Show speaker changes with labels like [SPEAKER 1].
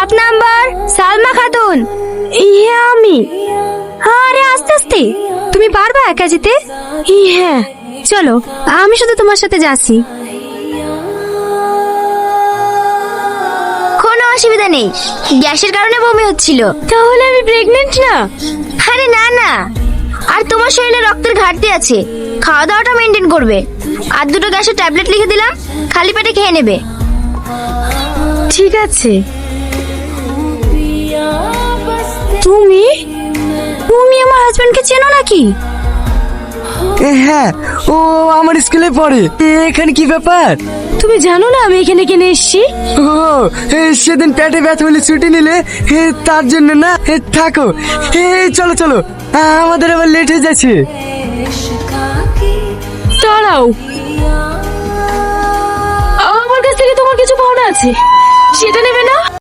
[SPEAKER 1] সাত নাম্বার সালমা খাতুন। ইয়ে আমি। আরে আস্তে আস্তে, তুমি পারবা একা যেতে? হ্যাঁ চলো, আমি শুধু তোমার সাথে যাচ্ছি। কোনো অসুবিধা নেই, গ্যাসের কারণে বমি হচ্ছিল। তাহলে আমি প্রেগনেন্ট না? আরে না না, আর তোমার শরীরে রক্তের ঘাটতি আছে, খাওয়া দাওয়াটা মেনটেন করবে। আর দুটো গ্যাসের ট্যাবলেট লিখে দিলাম, খালি পেটে খেয়ে নেবে। ঠিক আছে। তুমি তুমি আমার হাজবেন্ডকে চেনো নাকি?
[SPEAKER 2] হ্যাঁ, ও আমার স্কুলে পড়ে। এখানে কি ব্যাপার?
[SPEAKER 1] তুমি জানো না আমি এখানে কেন এসেছি?
[SPEAKER 2] ও সেদিন পেটে ব্যথা হলে ছুটি নিলে, তার জন্য না? থাকো, চলো চলো, আমাদের আবার লেট হয়ে যাচ্ছে।
[SPEAKER 1] দাঁড়াও, আমার কাছ থেকে তোমার কিছু পাওনা আছে, সেটা নেবে না?